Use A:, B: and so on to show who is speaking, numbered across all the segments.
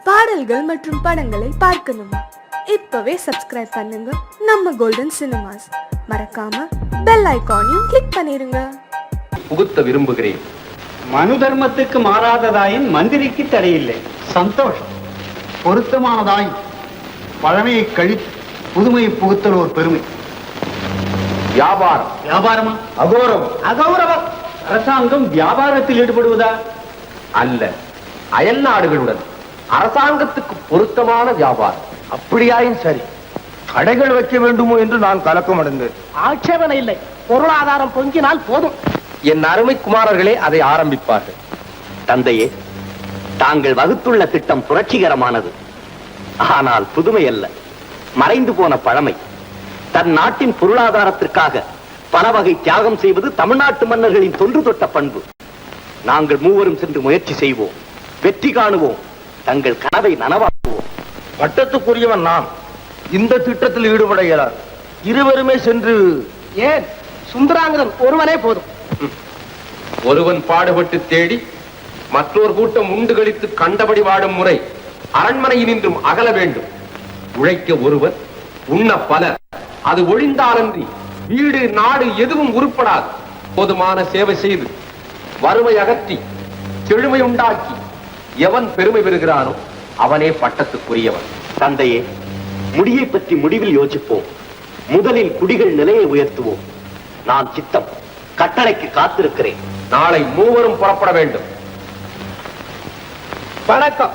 A: பாடல்கள் மற்றும் படங்களை பார்க்கணுமா? இப்பவே சப்ஸ்கிரைப் பண்ணுங்க நம்ம கோல்டன் சினிமாஸ். மறக்காம பெல் ஐகானையும் கிளிக் பண்ணிருங்க.
B: புகுத்த விரும்புகிறேன்.
C: மனு தர்மத்துக்கு மாறாததாயின் மந்திரிக்கு தடையில்லை. சந்தோஷம். பொருத்தமானதாய் பழமையை கழித்து புதுமையை புகுத்தல் ஒரு பெருமை.
B: வியாபாரம்.
C: வியாபாரமா?
B: அகோரம்.
C: அகௌரவம். அரசாங்கம் வியாபாரத்தில் ஈடுபடுவதா?
B: அல்ல, அயல் நாடுகளுடன் அரசாங்கத்துக்கு பொருத்தமான வியாபாரம்.
D: அப்படியாயும் சரி, கடைகள் வைக்க வேண்டுமோ என்று நான் கலக்கம் அடைந்தேன்.
E: ஆட்சேபனை இல்லை, பொருளாதாரம் பொங்கினால் போதும்.
B: என் அருமை குமாரர்களே அதை ஆரம்பிப்பார்கள்.
F: தந்தையே, தாங்கள் வகுத்துள்ள திட்டம் புரட்சிகரமானது. ஆனால் புதுமை அல்ல, மறைந்து போன பழமை. தன் நாட்டின் பொருளாதாரத்திற்காக பல வகை தியாகம் செய்வது தமிழ்நாட்டு மன்னர்களின் தொன்று தொட்ட பண்பு. நாங்கள் மூவரும் சென்று முயற்சி செய்வோம், வெற்றி காணுவோம், தங்கள் கனவை நனவாக்குவோம்.
D: பட்டத்துக்குரியவன் நான். இந்த திட்டத்தில் ஈடுபட இயலாது. இருவருமே சென்று.
E: ஏன், சுந்தராங்கதன் ஒருவனே போதும்.
B: ஒருவன் பாடுபட்டு தேடி மற்றொரு கூட்டம் உண்டு கழித்து கண்டபடி வாடும் முறை அரண்மனையினின்றும் அகல வேண்டும். உழைக்க ஒருவர், உண்ண பலர். அது ஒழிந்தாலன்றி வீடு நாடு எதுவும் உருப்படாது. போதுமான சேவை செய்து வறுமை அகற்றி செழுமை உண்டாக்கி எவன் பெருமை பெறுகிறானோ அவனே பட்டத்துக்குரியவன்.
F: தந்தையே, முடியை பற்றி முடிவில் யோசிப்போம். முதலில் குடிகள் நிலையை உயர்த்துவோம். நான் சித்தம், கட்டளைக்கு காத்திருக்கிறேன்.
B: நாளை மூவரும் புறப்பட வேண்டும்.
E: வணக்கம்.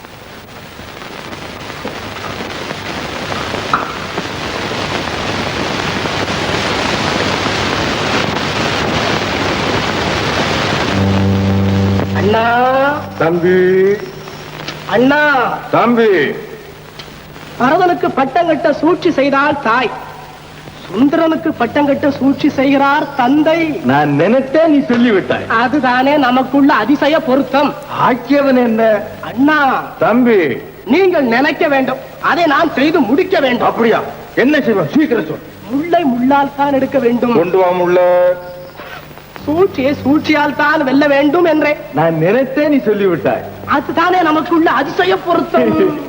E: அண்ணா.
D: தம்பி.
E: அண்ணா.
D: தம்பி.
E: பரதனுக்கு பட்டம் கட்ட சூழ்ச்சி செய்தால் தாய், சுந்தரனுக்கு பட்டம் கட்ட சூழ்ச்சி செய்கிறார் தந்தை.
D: நான் நினைத்தேன், நீ சொல்லிவிட்டாய்.
E: அதுதானே நமக்குள்ள அதிசய பொருத்தம்.
D: ஆக்கியவன் என்ன?
E: அண்ணா.
D: தம்பி.
E: நீங்கள் நினைக்க வேண்டும், அதை நான் செய்து முடிக்க வேண்டும்.
D: அப்படியா? என்ன செய்வோம்? சீக்கிரம் சொல்.
E: முள்ளை முள்ளால் தான் எடுக்க வேண்டும்.
D: கொண்டு வா முள்ள.
E: சூழ்ச்சியை சூழ்ச்சியால் தான் வெல்ல வேண்டும் என்றே
D: நான் நினைத்தேன், நீ சொல்லிவிட்டாய்.
E: அதுதானே நமக்குள்ள அதிசய பொருத்தம்.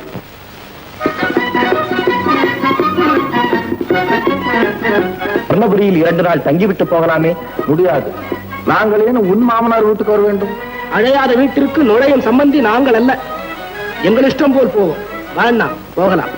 F: சொன்னபடியில் 2 நாள் தங்கிவிட்டு போகலாமே?
D: முடியாது. நாங்கள் ஏன் உன் மாமனார் வீட்டுக்கு வர வேண்டும்?
E: அழையாத வீட்டிற்கு நுழையும் சம்பந்தி நாங்கள் அல்ல. எங்கள் இஷ்டம் போல் போவோம். வேண்டாம், போகலாம்.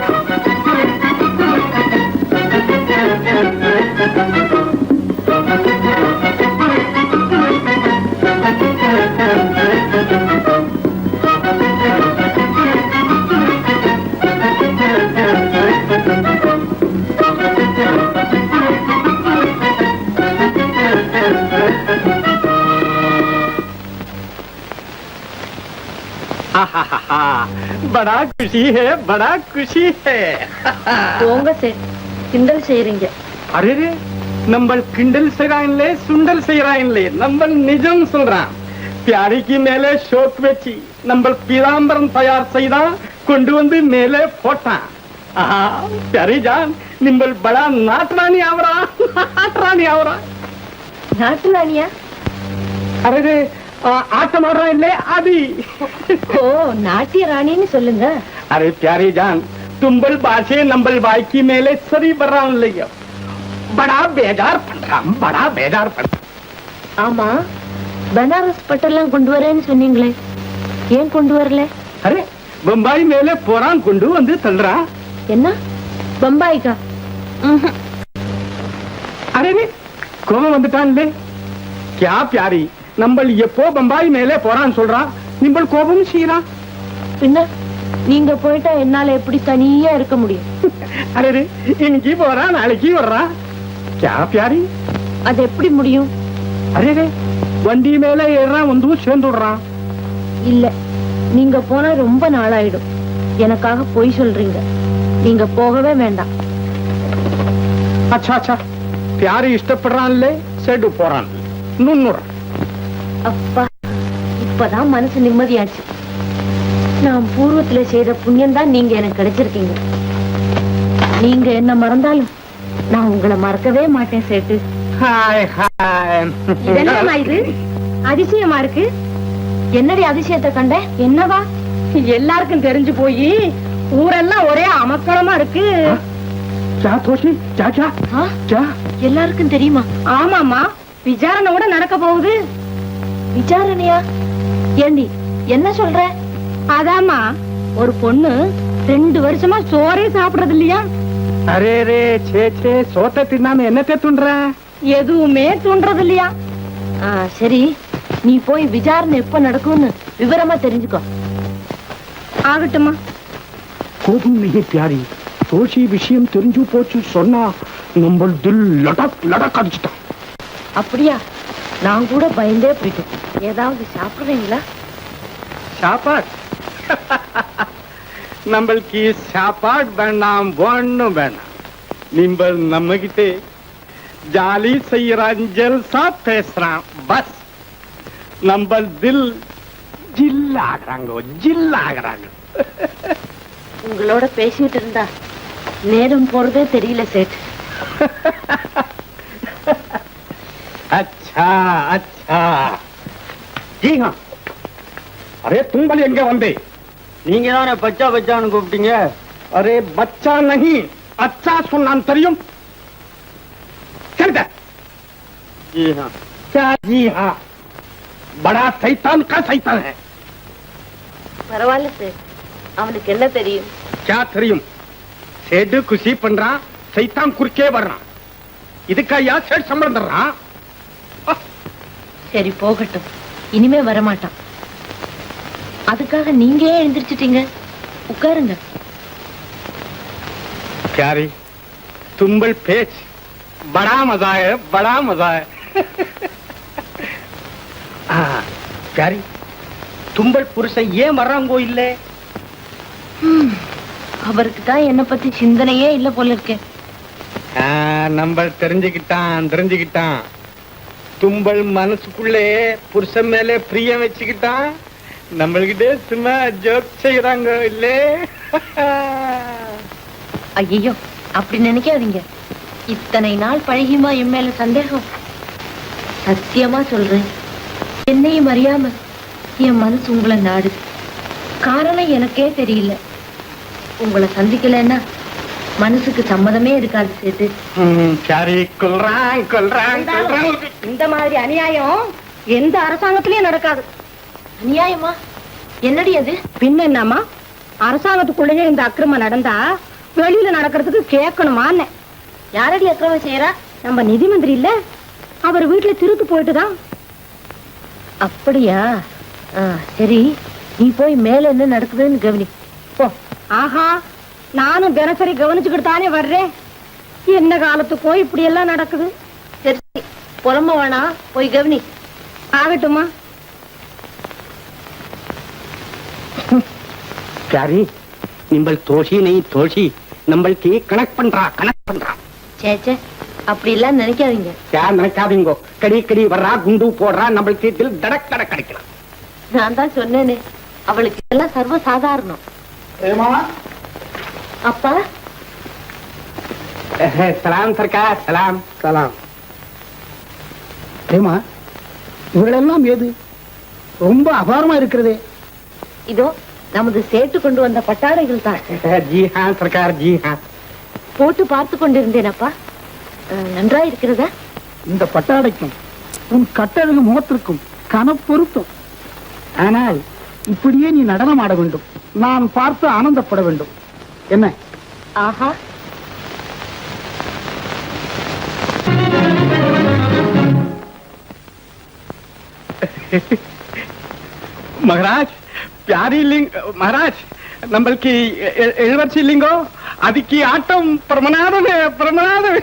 E: बड़ा खुशी है, बड़ा खुशी है.
G: போங்க சார், கிண்டல் செய்றீங்க.
E: அரே, நம்ம கிண்டல் செய்றாங்களே, சுண்டல் செய்றாங்களே, நம்ம நிஜம் சொல்றான். பியாரிக்கு மேலே ஷோக் வச்சு நம்ம பீதாம்பரம் தயார் செய்தா கொண்டு வந்து மேலே போட்டான். பியாரி ஜான், நிம்பல் படா நாட்டுராணி ஆவரா, நாட்டுராணி ஆவரா.
G: நாட்டு ராணியா?
E: அரே, ஆட்டம் ஆடுறோம் இல்லே அது.
G: ஓ, நாட்டிய ராணின்னு சொல்லுங்க.
E: अरे प्यारे जान, तुम्बल बासे नंबल बाइकी मेले सरी बर्रान लिया. बड़ा बेजार पड़ रहा, बड़ा बेजार पड़.
G: ஆமா, பனாரஸ் பட்டெல்லாம் கொண்டு வரேன்னு சொன்னீங்களே, ஏன் கொண்டு வரல?
E: अरे बम्बई मेले पोरान गुंडू வந்து தள்ளுறா.
G: என்ன, பம்பாய்க்கா?
E: अरे ने கோபம் வந்துட்டான்லே. क्या प्यारी, नंबल எப்போ பம்பாய் மேலே போறான் சொல்றான், நிம்பல் கோபம் சீரா.
G: பின்ன நீங்க போயிட்டா என்னால எப்படி தனியா இருக்க முடியும்?
E: अरे இன்னைக்கு போறா, நாளைக்கு வர்றா. क्या प्यारी?
G: அது எப்படி முடியும்?
E: अरे வண்டி மேலே ஏறான், வந்து சேர்ந்துடுறான்.
G: இல்ல, நீங்க போனா ரொம்ப நாளாயிடும். எனக்காக பொய் சொல்றீங்க. நீங்க போகவே வேண்டாம்.
E: अच्छा अच्छा, प्यारी இஷ்டப்படுறான்லே, செடு போறான். நுண்ணுற.
G: அப்பா, இப்பதான் மனசு நிம்மதியாச்சு. நான் பூர்வத்துல செய்த புண்ணியம் தான் நீங்க எனக்கு கிடைச்சிருக்கீங்க. நீங்க என்ன மறந்தாலும் நான் உங்களை மறக்கவே மாட்டேன் சேட்டு.
E: Hi hi.
G: இதெல்லாம் இது அதிசயமா இருக்கு. என்னடி அதிசயத்தை கண்ட? என்னவா? எல்லாருக்கும் தெரிஞ்சு போய் ஊரெல்லாம் ஒரே அமக்களமா இருக்கு.
E: क्या தோஷி क्या क्या क्या
G: எல்லாருக்கும் தெரியுமா? ஆமாமா, விசாரணை கூட நடக்க போகுது. விசாரணையா? ஏண்டி என்ன சொல்ற? அதாமா, ஒரு பொண்ணு 2 வருஷமா சோறே சாப்பிடுறது இல்லையா?
E: அரே ரே சே சே சோத்த தின்னாம என்னத்தை துண்ற?
G: எதுவுமே தூண்டுறது இல்லையா? சரி, நீ போய் விசாரணை எப்ப நடக்கும்னு விவரமா தெரிஞ்சுக்கோ. ஆகட்டுமா?
E: கோபம் நீ பியாரி, தோஷி விஷயம் தெரிஞ்சு போச்சு சொன்னா நம்ம தில் லடக் லடக் அடிச்சுட்டான்.
G: அப்படியா? நான் கூட பயந்தே போயிட்டேன். ஏதாவது சாப்பிடுறீங்களா?
E: சாப்பாடு நம்மளுக்கு சாப்பாடு வேண்டாம், ஒண்ணும் வேண்டாம். நீங்கள் நம்ம கிட்டே ஜாலி செய்யறான், ஜல்சா பேசுறான், பஸ் நம்ம தில் ஜில்லாகிறாங்க ஜில்லாகிறாங்க.
G: உங்களோட பேசிட்டு இருந்தா நேரம் போறதே தெரியல சேட்.
E: अच्छा अच्छा जी हाँ. अरे तुम बल எங்க வந்தே?
C: நீங்க தானே பச்சா பச்சான்னு கூப்பிட்டீங்க.
E: अरे बच्चा नहीं, अच्छा சொன்னான் தெரியும். चल दे.
C: जी हाँ.
E: क्या जी हाँ? बड़ा शैतान का शैतान है.
G: பரவாயில்ல சேட், அவனுக்கு என்ன தெரியும்?
E: क्या தெரியும்? சேடு குஷி பண்றான், சைத்தான் குறுக்கே வர்றான். இதுக்கா யா சேட் சம்பளம் தர்றான்?
G: சரி போகட்டும், இனிமே வரமாட்டான். அதுக்காக நீங்க ஏன் எழுந்திரிச்சிட்டீங்க? உட்காருங்க.
E: प्यारी तुंबल पेच बड़ा मजा है, बड़ा मजा है. प्यारी தும்பல் புருஷன் ஏன் வர்றாங்கோ இல்ல?
G: அவருக்கு தான் என்ன பத்தி சிந்தனையே இல்ல போல இருக்கே.
E: நம்ம தெரிஞ்சுக்கிட்டான். தும்பல் மனசுக்குள்ளே புருஷன் மேலே பிரியம் வச்சுக்கிட்டான். நம்மள்கிட்ட சும்மா ஜோக் செய்யறாங்க இல்ல?
G: ஐயோ, அப்படி நினைக்காதீங்க. இத்தனை நாள் பழகியுமா என் மேல சந்தேகம்? சத்தியமா சொல்றேன், என்னையும் அறியாம என் மனசு உங்களை நாடுது. காரணம் எனக்கே தெரியல. உங்களை சந்திக்கலன்னா மனசுக்கு சம்மதமே இருக்காது சேது.
E: சரி, கொல்றான்.
G: இந்த மாதிரி அநியாயம் எந்த அரசாங்கத்திலயும் நடக்காது. அநியாயமா? என்னடி அது? பின்ன என்னமா, அரசாங்கத்துக்குள்ளேயே இந்த அக்கிரமம் நடந்தா வெளியில நடக்கிறதுக்கு கேட்கணுமான்னு. யாரடி அக்கிரமம் செய்யறா? நம்ம நிதி மந்திரி இல்ல, அவர் வீட்டுல திருத்து போயிட்டுதான். அப்படியா? சரி, நீ போய் மேல என்ன நடக்குதுன்னு கவனி போ. ஆஹா, நானும் தினசரி கவனிச்சுக்கிட்டு தானே வர்றேன். என்ன காலத்துக்கோ இப்படி எல்லாம் நடக்குது. சரி, புலம்ப வேணாம், போய் கவனி. ஆகட்டுமா?
E: प्यारी निम्बल तोशी नहीं तोशी நம்மளுக்கு கனெக்ட் பண்றா.
G: சேச்சே, அப்படி எல்லாம் நினைக்காதீங்க.
E: யார் நினைக்காதீங்கோ. கடி வர்றா, குண்டு போடுறா, நம்மளுக்கு தில் தடக் தடக் கிடைக்கலாம்.
G: நான் தான் சொன்னேனே, அவளுக்கு எல்லாம் சர்வ சாதாரணம். அப்பா
E: சலாம் சர்க்கார், சலாம். ஏமா இவளெல்லாம் ஏது? ரொம்ப அபாரமா இருக்கிறதே.
G: இதோ நமது சேட்டு கொண்டு வந்த பட்டாடைகள் தான்.
E: ஜி ஹாं சர்க்கார், ஜி ஹாं.
G: போட்டு பார்த்து கொண்டிருந்தேன் அப்பா. நன்றா இருக்கிறதா?
E: இந்த பட்டாடைக்கும் உன் கட்டழகு முகத்திற்கும் கனப்பொருத்தம். ஆனால் இப்படியே நீ நடனம் ஆட வேண்டும், நான் பார்த்து ஆனந்தப்பட வேண்டும். என்ன?
G: ஆஹா,
E: महाराज प्यारी लिंग महाराज நம்மளுக்கு எழுவர்ச்சி இல்லைங்கோ. அதுக்கு ஆட்டம் பிரமநாதன்.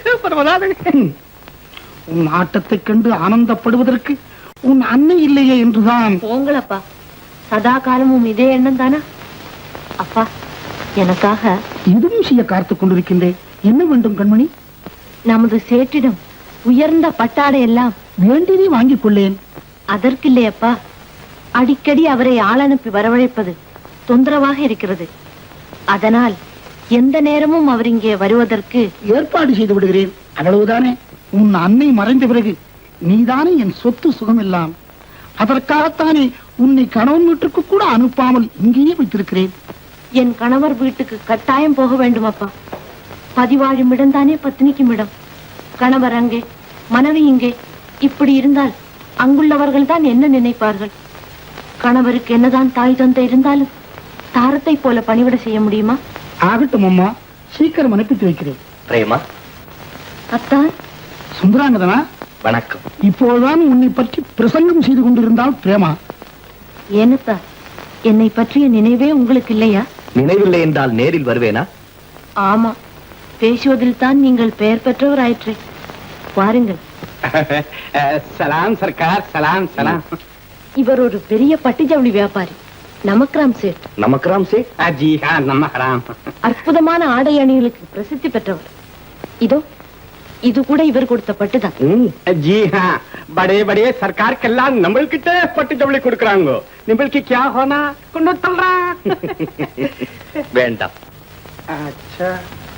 E: உன் ஆட்டத்தை கண்டு ஆனந்தப்படுவதற்கு உன் அன்னை இல்லையே என்றுதான்.
G: போங்களப்பா, சதா காலமும் இதே எண்ணம் தானா? அப்பா, எனக்காக
E: இதுவும் செய்ய காத்துக் கொண்டிருக்கின்றேன். என்ன வேண்டும் கண்மணி?
G: நமது சேட்டிடம் உயர்ந்த பட்டாடை எல்லாம்
E: வேண்டியதை வாங்கிக் கொள்ளேன்.
G: அதற்கில்லையப்பா, அடிக்கடி அவரை ஆள் அனுப்பி வரவழைப்பது தொந்தரவாக இருக்கிறது. அதனால் எந்த நேரமும் அவர் இங்கே வருவதற்கு
E: ஏற்பாடு செய்து விடுகிறேன். அவ்வளவுதானே? உன் அன்னை மறைந்த பிறகு நீதானே என் சொத்து சுகம் எல்லாம். அதற்காகத்தானே
H: உன்னை கணவன் வீட்டுக்கு கூட அனுப்பாமல் இங்கேயே வைத்திருக்கிறேன்.
G: என் கணவர் வீட்டுக்கு கட்டாயம் போக வேண்டும் அப்பா. பதிவாழும் இடம்தானே பத்தினிக்கும் இடம். கணவர் அங்கே, மனைவி இங்கே. இப்படி இருந்தால் அங்குள்ளவர்கள் தான் என்ன நினைப்பார்கள்? கணவருக்கு என்னதான் தாய் தந்தை இருந்தாலும் தாரத்தை போல பணிவிட செய்ய முடியுமா?
H: ஆகட்டும் அம்மா, சீக்கிரம் அனுப்பித்து வைக்கிறேன்.
F: பிரேமா,
G: அத்தான்.
H: சுந்தராங்கதனா,
F: வணக்கம்.
H: இப்போதுதான் உன்னை பற்றி பிரசங்கம் செய்து கொண்டிருந்தால் பிரேமா.
G: ஏனத்தா, என்னை பற்றிய நினைவே உங்களுக்கு இல்லையா?
F: நினைவில்லை என்றால் நேரில் வருவேனா?
G: ஆமா, பேசுவதில் தான் நீங்கள் பெயர் பெற்றவர் ஆயிற்றே. பாருங்கள்.
E: சலாம் சர்க்கார், சலாம் சலாம்.
G: இவர் ஒரு பெரிய பட்டு ஜவுளி வியாபாரி, நமக்ராம் சேட்.
F: நமக்ராம் சே?
E: ஜி ஹா, நமக்ராம்.
G: அற்புதமான ஆடை அணிகளுக்கு பிரசித்தி பெற்றவர். இதோ இது கூட இவர் கொடுத்த பட்டுதான்.
E: ஜி ஹா, படே படே சர்க்காருக்கெல்லாம் நம்மள்கிட்ட பட்டு ஜவுளி கொடுக்கறாங்க. நம்மளுக்கு क्या होना கொண்டு தள்ளுறா.
F: வேண்டாம்.
E: अच्छा,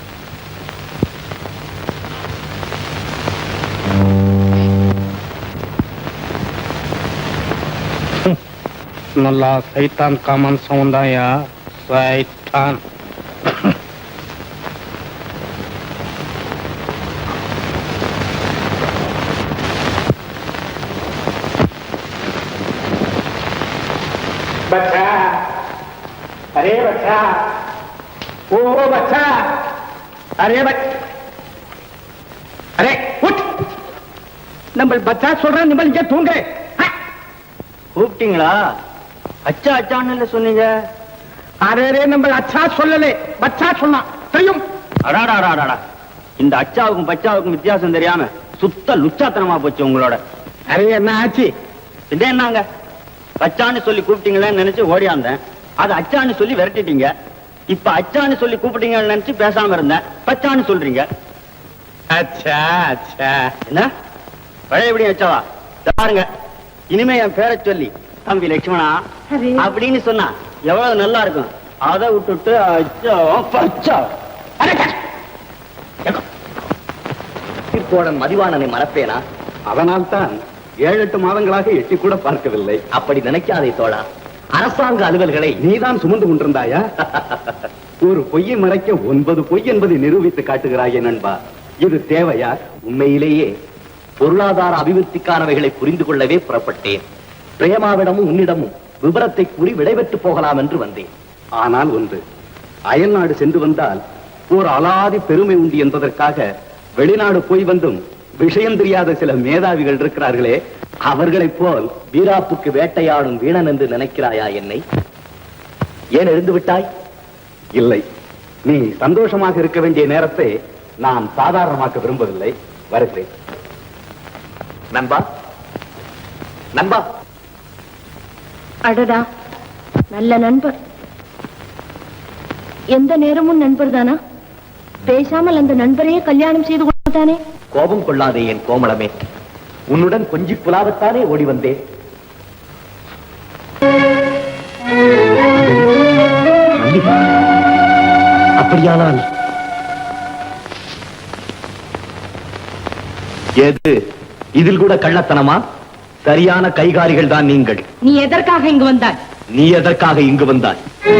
E: நல்லா சைத்தான் காமன் சவுண்டாயா, சைத்தான். बच्चा, अरे बच्चा, ओ बच्चा, अरे अरे उठ. நம்ம பச்சா சொல்றேன், நம்ம இங்க தூங்கு.
C: கூப்பிட்டீங்களா? அச்சா அச்சான்னு சொன்னீங்க.
E: அரே, நம்ம அச்சா சொல்லலே, பச்சா சொன்னான். தெரியும்?
C: அடாடாடாடா, இந்த அச்சாவுக்கும் பச்சாவுக்கும் வித்தியாசம் தெரியாம சுத்த லுச்சாத்தனமா போச்சு உங்களோட.
E: அரே, என்ன ஆச்சு?
C: இதே என்னங்க, பச்சான்னு சொல்லி கூப்பிட்டீங்களேன்னு நினைச்சு ஓடியாந்தேன். அது அச்சான்னு சொல்லி விரட்டிட்டீங்க. இப்ப அச்சான்னு சொல்லி கூப்பிட்டீங்கன்னு நினைச்சு பேசாம இருந்தேன். பச்சான்னு சொல்றீங்க.
E: அச்சா அச்சா.
C: என்ன பழையபடி அச்சாவா? பாருங்க, இனிமே என் பேரை சொல்லி தம்பி லட்சுமணா அப்படின்னு சொன்னா எவ்வளவு நல்லா இருக்கும். அதை விட்டுட்டு அச்சா பச்சா.
F: தோழன் மதிவாணனை மறப்பேனா?
E: அதனால்தான் 7-8 மாதங்களாக எட்டி கூட பார்க்கவில்லை.
F: அப்படி நினைக்காதே தோழா. அரசாங்க அலுவல்களை
E: நீதான் சுமந்து கொண்டிருந்தாயா? ஒரு பொய்யை மறைக்க 9 பொய் என்பதை நிரூபித்து காட்டுகிறாயே நண்பா. இது தேவையா?
F: உண்மையிலேயே பொருளாதார அபிவிருத்திக்கானவைகளை புரிந்து கொள்ளவே புறப்பட்டேன். பிரேமாவிடமும் உன்னிடமும் விபரத்தை கூறி விடைபெற்று போகலாம் என்று வந்தேன்.
E: ஆனால் ஒன்று, அயல் நாடு சென்று வந்தால் ஒரு அலாதி பெருமை உண்டு என்பதற்காக வெளிநாடு போய் வந்தும் விஷயம் தெரியாத சில மேதாவிகள் இருக்கிறார்களே,
F: அவர்களைப் போல் வீராப்புக்கு வேட்டையாடும் வீணன் என்று நினைக்கிறாயா என்னை? ஏன் எழுந்து விட்டாய்?
E: இல்லை, நீ சந்தோஷமாக இருக்க வேண்டிய நேரத்தை நான் சாதாரணமாக்க விரும்பவில்லை. வருகிறேன்.
F: நண்பா, நண்பா.
G: அடடா, நல்ல நண்பர். எந்த நேரமும் நண்பர் தானா? பேசாமல் அந்த நண்பரையே கல்யாணம் செய்து கொண்டானே.
F: கோபம் கொள்ளாதே என் கோமளமே. உன்னுடன் கொஞ்சி புலாவத்தானே ஓடி வந்தேன். அப்படியானால் எது இதில் கூட கள்ளத்தனமா? சரியான கைகாரிகள் தான் நீங்கள்.
G: நீ எதற்காக இங்கு வந்தாய்?
F: நீ எதற்காக இங்கு வந்தாய்?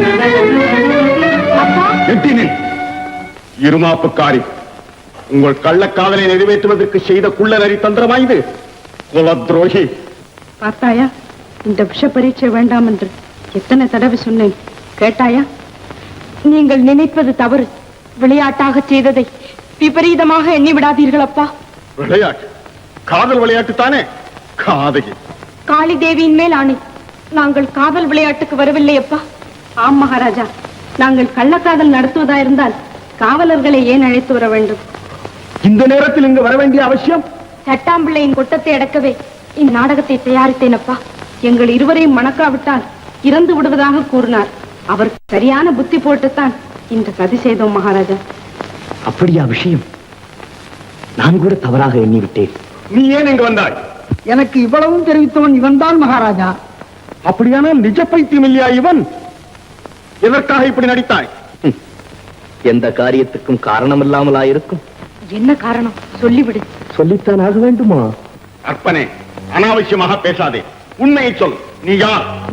E: இருமாப்புக்காரி, உங்கள் கள்ளக்காதலை நிறைவேற்றுவதற்கு செய்த குள்ள நரி தந்திரமா இது? குல துரோகி.
I: பார்த்தாயா, இந்த விஷ பரீட்சை வேண்டாம் என்று எத்தனை தடவை சொன்னேன், கேட்டாயா? நீங்கள் நினைப்பது தவறு. விளையாட்டாக செய்ததை விபரீதமாக எண்ணி விடாதீர்கள் அப்பா.
E: விளையாட்டு? காதல் விளையாட்டு தானே? காதகி.
I: காளி தேவியின் மேல் ஆணை, நாங்கள் காதல் விளையாட்டுக்கு வரவில்லை அப்பா. ஆம் மகாராஜா, நாங்கள் கள்ளக்காதல் நடத்துவதாயிருந்தால் காவலர்களை ஏன் அழைத்து வர வேண்டும்?
E: இந்த நேரத்தில் இங்கு வர வேண்டிய அவசியம்?
I: சட்டாம்பிள்ளையின் கொட்டத்தை அடக்கவே இந்நாடகத்தை தயாரித்தேன் அப்பா. எங்கள் இருவரையும் மணக்காவிட்டால் இறந்து விடுவதாக கூறினார். அவர் சரியான புத்தி போட்டுத்தான் இந்த சதி செய்தோம் மகாராஜா.
F: அப்படியா விஷயம்? நான் கூட தவறாக எண்ணிவிட்டேன்.
E: நீ ஏன் இங்கு வந்தாய்?
H: எனக்கு இவ்வளவும் தெரிவித்தவன் இவன்தான் மகாராஜா.
E: அப்படியானால் நிஜ பைத்தியம் இல்லையா இவன்? எதற்காக இப்படி நடித்தாய்?
F: எந்த காரியத்துக்கும் காரணம் இல்லாமலா இருக்கும்?
I: என்ன காரணம் சொல்லிவிடு.
F: சொல்லித்தான் ஆக வேண்டுமா?
E: அற்பனே, அனாவசியமாக பேசாதே. உண்மையை சொல். நீ யார்?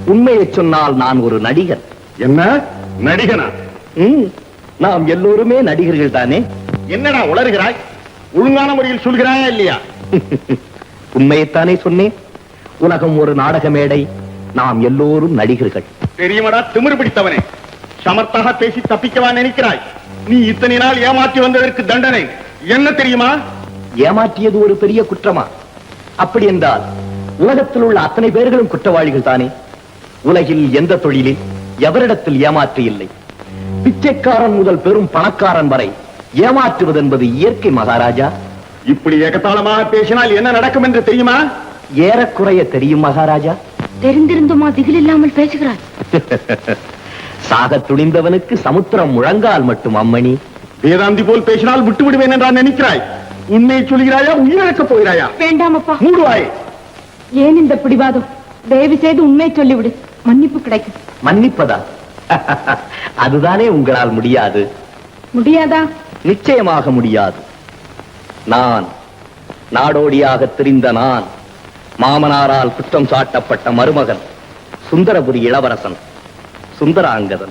F: உண்மையை சொன்னால் நான் ஒரு நடிகர்.
E: என்ன நடிகனா?
F: நாம் எல்லோருமே நடிகர்கள் தானே.
E: என்னடா உளறுகிறாய்? ஒழுங்கான முறையில் சொல்கிறாயா இல்லையா?
F: உண்மையைத்தானே சொன்னேன். உலகம் ஒரு நாடக மேடை, நாம் எல்லோரும் நடிகர்கள்.
E: தெரியுமடா திமிரு பிடித்தவனே, சமர்த்தாக பேசி தப்பிக்கவா நினைக்கிறாய்? நீ இத்தனை நாள் ஏமாற்றி வந்ததற்கு தண்டனை என்ன தெரியுமா?
F: ஏமாற்றியது ஒரு பெரிய குற்றமா? அப்படி என்றால் உலகத்தில் உள்ள அத்தனை பேர்களும் குற்றவாளிகள் தானே. உலகில் எந்த தொழிலில் எவரிடத்தில் ஏமாற்று இல்லை. பிச்சைக்காரன் முதல் பெரும் பணக்காரன் வரை ஏமாற்றுவது என்பது இயற்கை மகாராஜா.
E: இப்படி ஏகத்தாளமாக பேசினால் என்ன நடக்கும் என்று தெரியுமா?
F: ஏறக்குறைய தெரியும் மகாராஜா.
G: தெரிந்திருந்துமா திகில் இல்லாமல் பேசுகிறார்?
F: சாக துணிந்தவனுக்கு சமுத்திரம் முழங்கால் மட்டும் அம்மணி.
E: வேதாந்தி போல் பேசினால் விட்டு விடுவேன் என்றால் நினைக்கிறாய்? உண்மையை சொல்கிறாயா, உயிரிழக்கப் போகிறாயா?
I: வேண்டாம் அப்பா.
E: மூடுவாய்.
I: ஏன் இந்த பிடிவாதம்? தயவு செய்து உண்மையை சொல்லிவிடு, மன்னிப்பு கிடைக்கும்.
F: மன்னிப்பதா? அதுதானே உங்களால் முடியாது.
I: முடியாதா?
F: நிச்சயமாக முடியாது. நான் நாடோடியாக திரிந்த நான், மாமனாரால் குற்றம் சாட்டப்பட்ட மருமகன், சுந்தரபுரி இளவரசன் சுந்தராங்கதன்.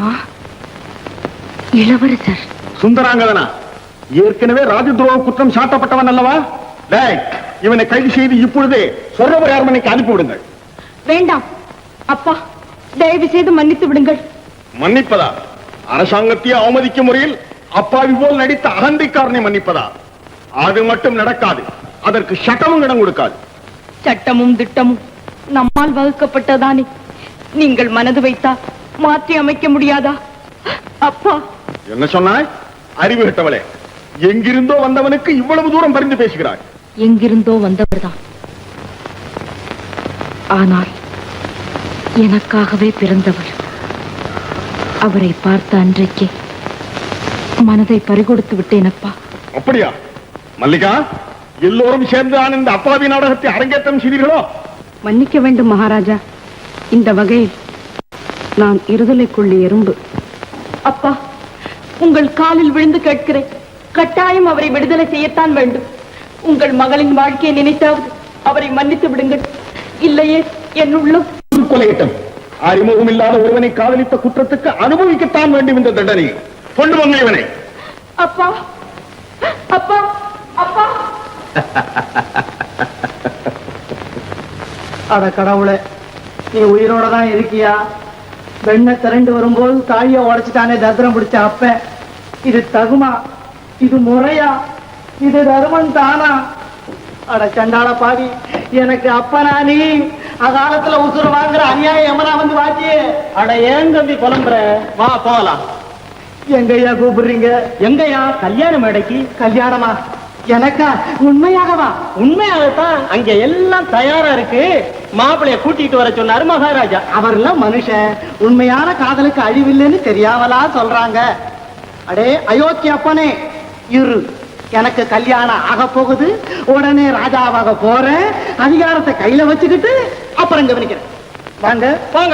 G: இளவரசர்
E: சுந்தராங்கதனா? ஏற்கனவே ராஜதுரோக குற்றம் சாட்டப்பட்டவன் அல்லவா? இவனை கைது செய்து இப்பொழுதே சொர்ணபுரி அரண்மனைக்கு அனுப்பிவிடுங்கள்.
I: வேண்டாம் அப்பா, தயவு செய்து மன்னித்து விடுங்கள்.
E: மன்னிப்பதா? அரசாங்கத்தையே அவமதிக்கும் முறையில் அப்பாவி போல் நடித்த அகந்தைக்காரனை மன்னிப்பதா? அது மட்டும் நடக்காது. அதற்கு சட்டமும் இடம் கொடுக்காது.
I: சட்டமும் திட்டமும் நம்மால் வகுக்கப்பட்டதானே. நீங்கள் மனது வைத்தா மாற்றி அமைக்க முடியாதா அப்பா?
E: என்ன சொன்னாய்? அறிவு கட்டவளே, எங்கிருந்தோ வந்தவனுக்கு இவ்வளவு தூரம் பரிந்து பேசுகிறாய்.
G: எங்கிருந்தோ வந்தவர்தான், ஆனால் எனக்காகவே பிறந்தவர். அவரை பார்த்த அன்றைக்கே மனதை பறிகொடுத்து விட்டேன் அப்பா.
E: அப்படியா? மல்லிகா, எல்லோரும் சேர்ந்து இந்த அப்பாவி நாடகத்தை அரங்கேற்றம் செய்தீர்களோ?
I: மன்னிக்க வேண்டும் மகாராஜா. இந்த வகையில் நான் இருதலைக்குள்ளே எறும்பு. அப்பா, உங்கள் காலில் விழுந்து கேட்கிறேன், கட்டாயம் அவரை விடுதலை செய்யத்தான் வேண்டும். உங்கள் மகளின் வாழ்க்கையை நினைத்தாவது அவரை மன்னித்து விடுங்கள். இல்லையே என் உள்ளம்
E: கொலையிட்டம். அறிமுகம் இல்லாத ஒருவனை காதலித்த குற்றத்துக்கு அனுபவிக்கத்தான் வேண்டும் இந்த தண்டனை. கொண்டு வாங்க இவனை.
I: அப்பா, அப்பா, அப்பா.
C: அட கடவுளே, நீ உயிரோட தான் இருக்கியா? வெண்ணை திரண்டு வரும்போது தாழிய உடைச்சிட்டானே தத்திரம் பிடிச்ச அப்ப. இது தகுமா? இது முறையா? இது தருமன் தானா? அட சண்டாள பாவி, எனக்கு அப்பனா நீ? அகாலத்துல உசுறு வாங்குற அநியாயம் எமனா வந்து வாச்சியே. அட ஏன் தம்பி புலம்புற? வா போகலாம். எங்கய்யா கூப்பிடுறீங்க? எங்கய்யா? கல்யாண மேடைக்கு. கல்யாணமா? எனக்கா? உண்மையாகவா? உண்மையாகத்தான். அங்க எல்லாம் தயாரா இருக்கு. மாப்பிளைய கூட்டிட்டு வர சொன்னாரு மகாராஜா. அவர்லாம் மனுஷன். உண்மையான காதலுக்கு அழிவில்லைன்னு தெரியாமலா சொல்றாங்க. அடே அயோத்தி அப்பனே, இரு, எனக்கு கல்யாணம் ஆக போகுது. உடனே ராஜாவாக போறேன். அதிகாரத்தை கையில வச்சுக்கிட்டு அப்புறம் கவனிக்கிறேன். வாங்க வாங்க.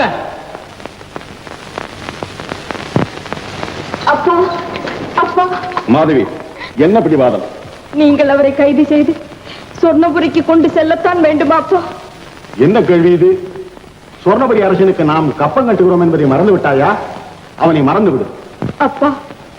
I: அப்பா, அப்பா.
E: மாதவி, என்ன பிடிவாதம்?
I: நீங்கள் அவரை கைது செய்து சொர்ணபுரிக்கு கொண்டு செல்லத்தான் வேண்டுமா அப்பா?
E: என்ன கேள்வி இது? சொர்ணபுரி அரசனுக்கு நாம் கப்பம் கட்டுகிறோம் என்பதை மறந்து விட்டாயா? அவனை மறந்து விடு.
I: அப்பா,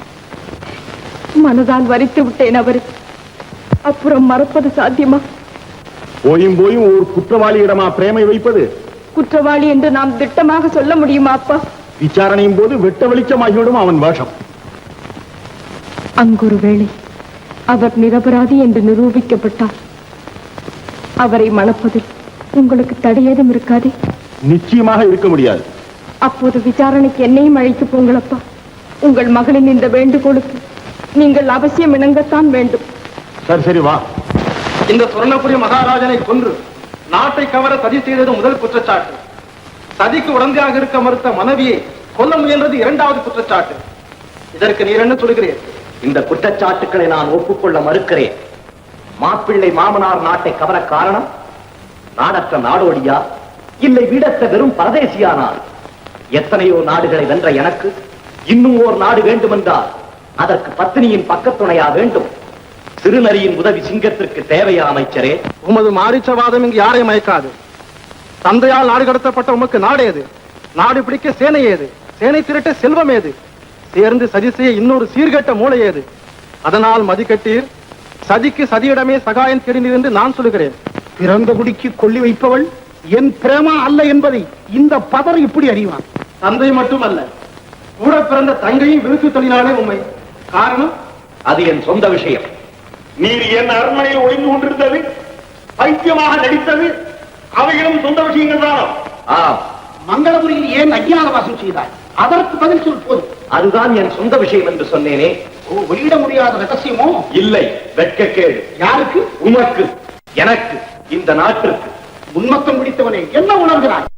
I: மனதால் வரித்து விட்டேன் அவரை. அப்புறம் மறப்பது சாத்தியமா?
E: போயும் போயும் ஒரு குற்றவாளியிடமா பிரேமை வைப்பது?
I: குற்றவாளி என்று நாம் திட்டமாக சொல்ல முடியுமா அப்பா?
E: விசாரணையும் போது வெட்ட வெளிச்சமாகிவிடும் அவன் வேஷம்.
I: அங்கொரு வேளை அவர் நிரபராதி என்று நிரூபிக்கப்பட்டார். அவரை மணப்பதில் உங்களுக்கு தடையேதும் இருக்காதே?
E: நிச்சயமாக இருக்க முடியாது.
I: அப்போது விசாரணைக்கு என்னையும் அழைத்து போங்களப்பா. உங்கள் மகளின் இந்த வேண்டுகோளுக்கு நீங்கள் அவசியம் இணங்கத்தான் வேண்டும்.
E: சரி சரி வா. இந்த சுவர்ணபுரி மகாராஜனை கொன்று நாட்டை கவர சதி செய்தது முதல் குற்றச்சாட்டு. சதிக்கு உடந்தையாக இருக்க மறுத்த மனைவியை கொல்ல முயன்றது இரண்டாவது குற்றச்சாட்டு. இதற்கு நீர் என்ன சொல்கிறீர்?
F: இந்த குற்றச்சாட்டுக்களை நான் ஒப்புக்கொள்ள மறுக்கிறேன். மாப்பிள்ளை மாமனார் நாட்டை கவர காரணம் நாடற்ற நாடோடியா, இல்லை வீடற்ற வெறும் பரதேசியானால்? எத்தனையோ நாடுகளை வென்ற எனக்கு இன்னும் ஓர் நாடு வேண்டுமென்றால் அதற்கு பத்தினியின் பக்கத்துணையா வேண்டும். சிறுநரியின் உதவி சிங்கத்திற்கு தேவையா அமைச்சரே?
E: உமது மாரிச்சவாதம் இங்கு யாரை மயக்காது. தந்தையால் நாடு கடத்தப்பட்ட உமக்கு நாடு ஏது? நாடு பிடிக்க சேனை ஏது? சேனை திரட்ட செல்வம் ஏது? சேர்ந்து சதி செய்ய இன்னொரு சீர்கெட்ட மூளை ஏது? அதனால் மதிக்கட்டீர், சதிக்கு சதியிடமே சகாயம் தெரிந்தீர் என்று நான் சொல்லுகிறேன்.
H: பிறந்த குடிக்கு கொள்ளி வைப்பவள் என் பிரேமா அல்ல என்பதை இந்த பதர் இப்படி அறிவான்.
E: தந்தை மட்டுமல்ல, கூட பிறந்த தங்கையும் விருத்து தொழிலாளே உண்மை. காரணம்?
F: அது என் சொந்த விஷயம்.
D: நீர் என் அரண்மனையில் ஒளிந்து கொண்டிருந்தது, பைத்தியமாக நடித்தது, அவைகளும் சொந்த விஷயங்கள் தானோ?
F: ஆம்,
H: மங்களபுரியில் ஏன் அஞ்ஞான வாசம் செய்தாய்? அதற்கு பதில் சொல் போதும்.
F: அதுதான் என் சொந்த விஷயம் என்று சொன்னேனே.
H: வெளியிட முடியாத ரகசியமோ?
F: இல்லை, வெட்கக்கேடு.
H: யாருக்கு?
F: உமக்கு, எனக்கு, இந்த நாட்டிற்கு.
H: உன்மத்தம் பிடித்தவனே, என்ன உணர்கிறாய்?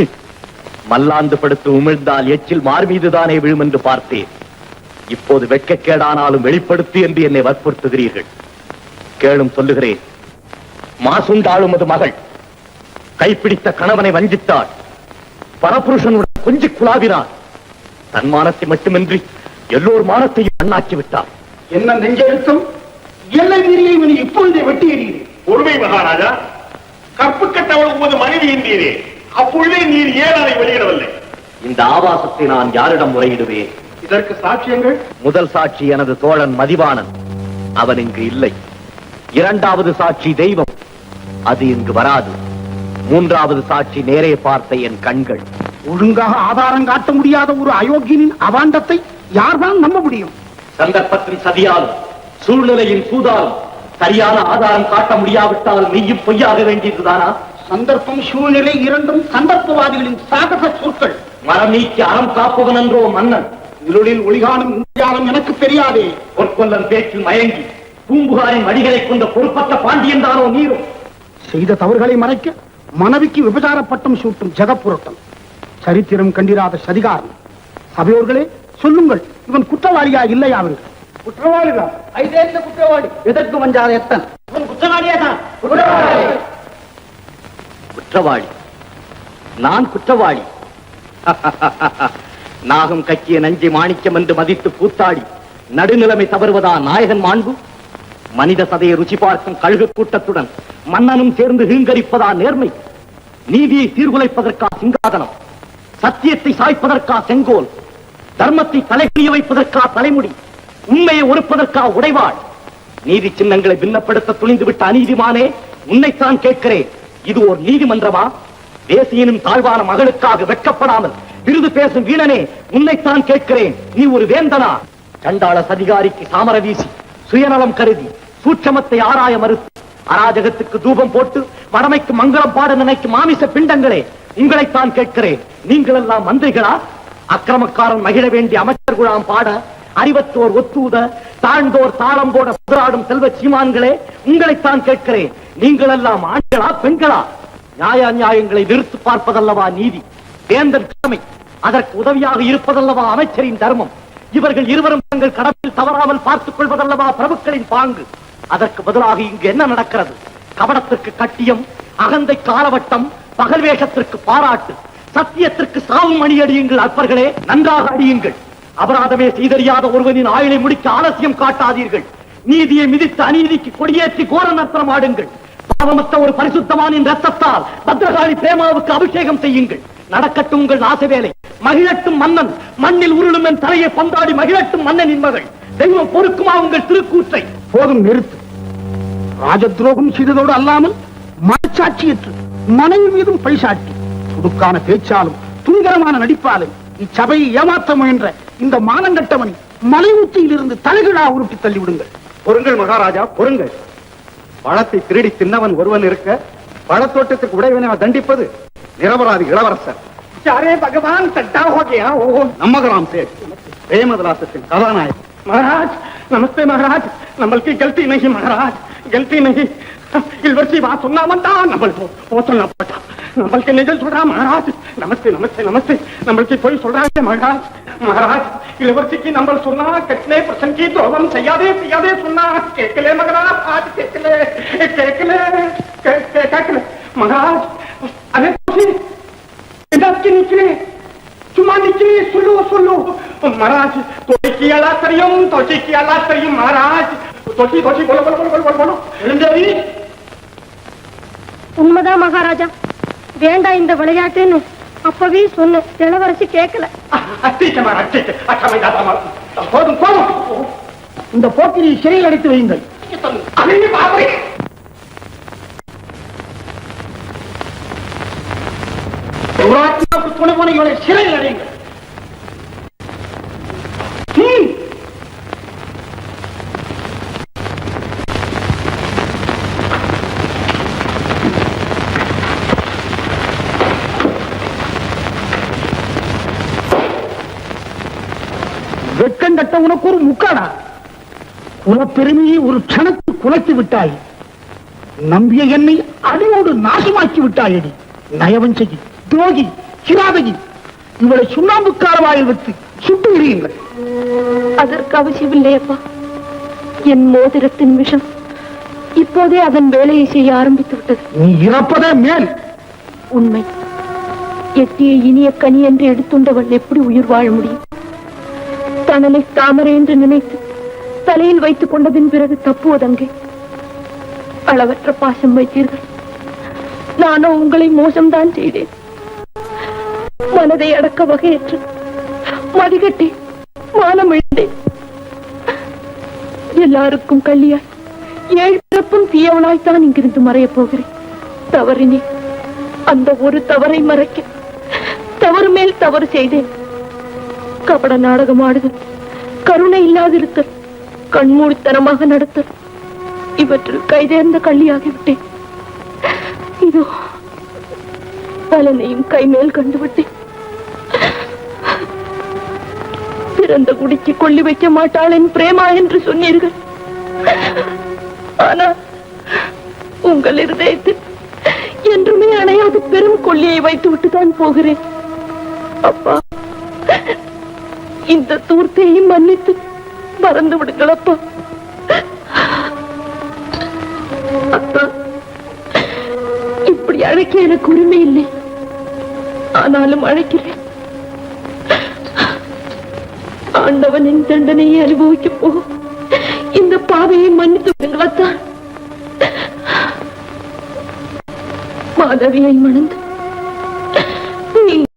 F: மல்லாந்து படுத்து உமிழ்ந்தால் எச்சில் மார் மீதுதானே விழும் என்று பார்த்தேன். இப்போது வெட்கக்கேடானாலும் வெளிப்படுத்து என்று என்னை வற்புறுத்துகிறீர்கள். கேளும், சொல்லுகிறேன். மாசுண்டாளும் அது மகள் கைப்பிடித்த கணவனை வஞ்சித்தாள். பரபுருஷனுடன் கொஞ்சி குழாவினார். தன் மானத்தை மட்டுமின்றி எல்லோர் மானத்தையும் அண்ணாக்கி விட்டார்.
H: என்ன நெஞ்செழுத்தம்! எல்லை மீறியை இவனை இப்பொழுதே வெட்டி எறிகிறேன்.
D: பொறுமை மகாராஜா, கற்பு கட்டவள் உமது மனைவி என்றீரே, அப்பொழுதே நீர் ஏன் அதை வெளியிடவில்லை?
F: இந்த ஆபாசத்தை நான் யாரிடம் முறையிடுவேன்?
E: இதற்கு சாட்சியங்கள்?
F: முதல் சாட்சி எனது தோழன் மதிவாணன், அவன் இங்கு இல்லை. இரண்டாவது சாட்சி தெய்வம், அது இங்கு வராது. மூன்றாவது சாட்சி நேரே பார்த்த என் கண்கள்.
H: ஒழுங்காக ஆதாரம் காட்ட முடியாத ஒரு அயோக்கியனின் அவாண்டத்தை யார்தான் நம்ப முடியும்?
F: சந்தர்ப்பத்தின் சதியாலும் சூழ்நிலையின் சூதாலும் சரியான ஆதாரம் காட்ட முடியாவிட்டால் மெய்யும் பொய்யாக வேண்டியதுதானா?
H: சந்தர்ப்பம் சூழ்நிலை இரண்டும் சந்தர்ப்பவாதிகளின் சாகச சொற்கள்.
F: மரம் நீக்கி அறம் காப்பவன் என்றோ மன்னன்.
H: இருளில் ஒளிகாணும் இந்தியாலம் எனக்கு தெரியாதே.
F: பொற்கொல்லன் பேச்சில் மயங்கி பூம்புகாரின் வடிகளை கொண்ட பொறுப்பற்ற பாண்டியன் தானோ நீரும்?
H: செய்த தவறுகளை மறைக்க மனைவிக்கு விபச்சார பட்டம் சூட்டும் ஜெகப்புரட்டம், சரித்திரம் கண்டிராத சதிகாரம். சபையோர்களே, சொல்லுங்கள், இவன் குற்றவாளியா இல்லையா? அவர்கள்
C: குற்றவாளிதான். ஐதேந்த குற்றவாளி. எதற்கு வஞ்சாத எத்தன்? இவன் குற்றவாளியா தான்.
F: குற்றவாளி? நான் குற்றவாளி? நாகம் கக்கிய நஞ்சை மாணிக்கம் என்று மதித்து கூத்தாடி நடுநிலைமை தவறுவதா நாயகன் மாண்பு? மனித சதையை ருச்சி பார்க்கும் கழுகு கூட்டத்துடன் மன்னனும் சேர்ந்து ஹீங்கரிப்பதா நேர்மை? நீதியை சீர்குலைப்பதற்கா சிங்காதனம்? சத்தியத்தை சாய்ப்பதற்கா செங்கோல்? தர்மத்தை தலைகுனிய வைப்பதற்கா தலைமுடி? உண்மையை ஒருப்பதற்கா உடைவாள்? நீதி சின்னங்களை பின்னப்படுத்த துணிந்துவிட்ட அநீதிமானே, உன்னைத்தான் கேட்கிறேன். இது ஒரு நீதிமன்றமா? தேசியனும் தாழ்வான மகளுக்காக வெட்கப்படாமல் விருது பேசும் வீணனே, உன்னைத்தான் கேட்கிறேன். நீ ஒரு வேந்தனா? சண்டாள சதிகாரிக்கு சாமர வீசி சுயநலம் கருதி சூட்சமத்தை ஆராய மறுத்து அராஜகத்துக்கு தூபம் போட்டு வடமைக்கு மங்களம் பாட நினைக்கும் மாமிச பிண்டங்களே, உங்களைத்தான் கேட்கிறேன். நீங்கள் எல்லாம் மந்திரிகளா? அக்கிரமக்காரன் மகிழ வேண்டிய அமைச்சர் குழாம் பாட, அறிவத்தோர் ஒத்தூத, தாழ்ந்தோர் தாளம் போட புதராடும் செல்வ சீமான்களே, உங்களைத்தான் கேட்கிறேன். நீங்கள் எல்லாம் ஆண்களா பெண்களா? நியாய நியாயங்களை நிறுத்து பார்ப்பதல்லவா நீதி, வேந்தன் கடமை. அதற்கு உதவியாக இருப்பதல்லவா அமைச்சரின் தர்மம். இவர்கள் இருவரும் தங்கள் கடமையில் தவறாமல் பார்த்துக் கொள்வதல்லவா பிரபுக்களின் பாங்கு. அதற்கு பதிலாக இங்கு என்ன நடக்கிறது? கபடத்திற்கு கட்டியம், அகந்தை காலவட்டம், பகல் வேஷத்திற்கு பாராட்டு, சத்தியத்திற்கு சாவும் அணி அடியுங்கள். அற்பர்களே, நன்றாக அடியுங்கள். அபராதமே செய்தறியாத ஒருவனின் ஆயுளை முடிக்க ஆலசியம் காட்டாதீர்கள். நீதியை மிதித்து அநீதிக்கு கொடியேற்றி கோர நர்த்தனம் ஆடுங்கள். பாவமற்ற ஒரு பரிசுத்தமானின் ரத்தத்தால் பத்ரகாளி பிரேமாவுக்கு அபிஷேகம் செய்யுங்கள். நடக்கட்டும் உங்கள் ஆசை வேலை. மகிழட்டும் மன்னன், மண்ணில் உருளும் என் தலையை பந்தாடி மகிழட்டும் மன்னனின் மகள். தெய்வம் பொறுக்குமா உங்கள் திருக்கூற்றை?
H: போதும், நிறுத்து. ராஜ துரோகம் செய்ததோடு அல்லாமல் மனச்சாட்சியற்று மனைவி மீதும் பழிசாட்டி துடுக்கான பேச்சாலும் துணிகரமான நடிப்பாலும் இச்சபையை ஏமாற்ற முயன்ற இந்த மானங்கட்டவனை மலை உச்சியிலிருந்து தலைகீழா உருட்டி தள்ளிவிடுங்கள்.
E: பொறுங்கள் மகாராஜா, பொறுங்கள். பழத்தை திருடி தின்னவன் ஒருவன் இருக்க, பழத்தோட்டத்துக்கு உடையவனை தண்டிப்பது நிரபராதி இளவரசர்.
C: अरे भगवान सट्टा हो गया.
E: நம்மகராம் சேட், பிரேமதலாசத்தின் கதாநாயகன்.
C: महाराज नमस्ते महाराज. नंबल की गलती नहीं महाराज, गलती नहीं. इलवर्सी बात सुनना बनता, नंबल वो सुनना पड़ता. नंबल के निजल सुन रहा महाराज. नमस्ते नमस्ते नमस्ते. नंबल की कोई सुन रहा है महाराज. महाराज इलवर्सी की नंबल सुनना, कितने प्रसन्न की तो हम सयादे पियादे सुनना. केकले मगरा आज केकले केकले केकले महाराज. अरे की निकले चुमा निकली. सुलो सुलो महाराज. तोची अला करियम, तोची की अला करियम महाराज. तोची तोची बोलो बोलो बोलो बोलो बोलो. देवी
G: உண்மைதான் மகாராஜா.
I: வேண்டாம் இந்த விளையாட்டுன்னு அப்பவே சொன்னேன். இளவரசி கேட்கல.
H: போதும் போதும், இந்த போக்கிரி சிறையில் அடைத்து வையுங்கள். துணை போன இவளை சிறையில் அடையுங்கள். வெட்கம் கட்ட உனக்கு ஒரு முக்காடா? குலப்பெருமையை ஒரு க்ஷணத்தில் குலைத்து விட்டாய். நம்பிய என்னை அடியோடு நாசமாக்கி விட்டாயடி. நயவஞ்சகி, துரோகி, கிராதகி, இவளை சுண்ணாம்புக்கார வாயில் வைத்து சுட்டு விடுங்கள்.
I: அதற்கு அவசியமில்லையப்பா. என் மோதிரத்தின் விஷம் இப்போதே அதன் வேலையை செய்ய ஆரம்பித்து விட்டது.
H: நீ இறப்பதே மேல்.
I: உண்மை. எட்டிய இனிய கனி என்று எடுத்துண்டவள் எப்படி உயிர் வாழ முடியும்? தனலை தாமரை என்று நினைத்து தலையில் வைத்துக் கொண்டதின் பிறகு தப்புவதங்கே. அளவற்ற பாசம் வைத்தீர்கள். நானோ உங்களை மோசம்தான் செய்தேன். மனதை அடக்க வகையற்று மதிகட்டி மானம் இழந்தேன். எல்லாருக்கும் கல்லியாய் ஏழு பிறப்பும் தீயவனாய்த்தான் இங்கிருந்து மறையப் போகிறேன். தவறினே அந்த ஒரு தவறை மறைக்க தவறு மேல் தவறு செய்தேன். கபட நாடகம் ஆடுதல், கருணை இல்லாதிருத்தல், கண்மூடித்தனமாக நடத்தல், இவற்றில் கைதேர்ந்த கள்ளியாகிவிட்டேன். இதோ பலனையும் கைமேல் கண்டுவிட்டேன். பிறந்த குடிக்கு கொல்லி வைக்க மாட்டாள் என் பிரேமா என்று சொன்னீர்கள். ஆனால் உங்கள் இருதயத்தில் என்றுமே அணையாது பெரும் கொல்லியை வைத்து விட்டுதான் போகிறேன். அப்பா, இந்த தூர்த்தையும் மன்னித்து மறந்து விடுங்கள் அப்பா. அப்பா, இப்படி அழைக்க எனக்கு உரிமை இல்லை. ஆனாலும் அழைக்கிறேன். ஆண்டவனின் தண்டனையை அனுபவிக்க போகும் இந்த பாவையை மன்னித்து விடுங்களாத்தான். மாதவியை மணந்து